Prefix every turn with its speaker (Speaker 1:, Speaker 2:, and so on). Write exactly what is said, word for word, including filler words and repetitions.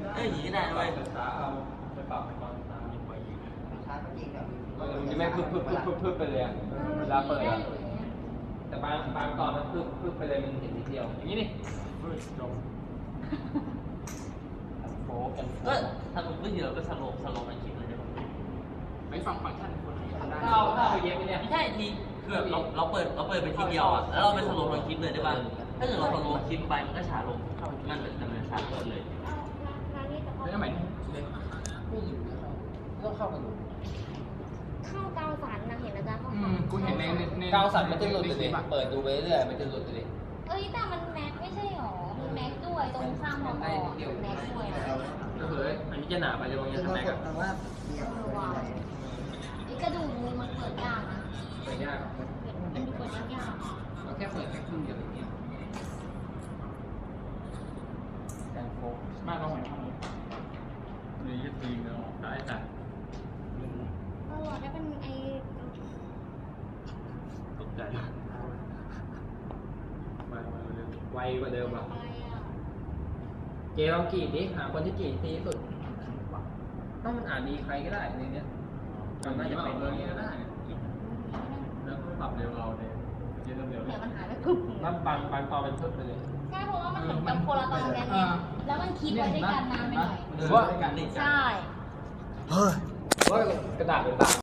Speaker 1: เอ้ยอย่างนี้ได้เว้ย
Speaker 2: ช้าเอาไปปรับไปตอนช้ามีไฟยิง
Speaker 3: ช้าก็จริงแบบ
Speaker 4: มันจะไม่พึบพึบพึบพึบพึบไปเลยอะเวลาเปิดอะแต่บางบางตอนมันพึบพึบไปเลยมันเห็นนิดเดียวอย่างนี้นี่
Speaker 2: เฮ้ยจบ
Speaker 4: โฟกัน
Speaker 1: ก็ทำเมื่อกี้เราก็สโลว์สโลว์มันคลิปเลยได้ป่ะ
Speaker 2: ไม่ฟังฟังก์ชันคนไหนทำได้
Speaker 4: ถ้าเอาถ้าเอาไปเย็บไปเนี่ย
Speaker 1: ไม่ใช่ทีคือแบบเราเราเปิดเราเปิดไปทีเดียวอ่ะแล้วเราไปสโลว์มันคลิปเลยได้ป่ะถ้าเกิดเราสโลว์คลิปไปมันก็ช้าลงมันเป็นดำเนินช้าเกินเลย
Speaker 5: ร้านนี้จะเข้า
Speaker 2: แล้วทำไมเล่น
Speaker 4: ไม่อยู่ต้องเข้ากันดู
Speaker 5: เข้ากาวสันนะเห็นอาจารย์เขา
Speaker 2: อืมกูเห็นในใน
Speaker 4: กาวสันมันจะหลุดเลยเปิดดูไปเรื่อยมันจะหลุดเลย
Speaker 5: เอ้ยแต่มันแม็กไม่ใช่หรอมันแม็กด้วยตรงข้างมองออกแม็กด้วยนะ
Speaker 4: ก็คืออันนี้จะหนาไปเลยบางอย่างทำไมกับ
Speaker 3: แต่ว่าเนี่ย
Speaker 5: เออว่ะไอ้กระดูกมือมันเปิดยากนะ
Speaker 4: เปิดยาก
Speaker 5: มันเปิดยาก
Speaker 4: เราแค่เปิดแค่ครึ่งเดียวอย่างเงี้ยการโฟก
Speaker 2: มากกว่าหอยทองนี่ยึดตีเนาะได้แต่
Speaker 5: ๆเออถ้าเป็นไอ้
Speaker 2: ตกใจมามาเร็ว
Speaker 4: ไวกว่าเดิมอ่ะ
Speaker 5: อะไรอ่ะ
Speaker 4: เจลองกรีดดิหาคนที่กรีดดีที่สุดต้องมันอ่านดีใครก็ได้ในเนี้ย
Speaker 2: มันน่าจะเป็นเรื่องนี้ก็ได้แล้วก็ปรับเร็วเราเนี่ยเย็นเร็ว
Speaker 5: เดี๋ยวมันหายไปปุ๊บ
Speaker 4: แล้วบางบางตอนเป็นทึบไปเลย
Speaker 5: ใช่เพราะว่ามันเหมือนกับคนละตอนกันไงแล้วมันคิดไว้ด้วยกันนานไปหน่อย
Speaker 4: หรือว่า
Speaker 5: ใช่
Speaker 4: เฮ้ยกระดาษเป็นตา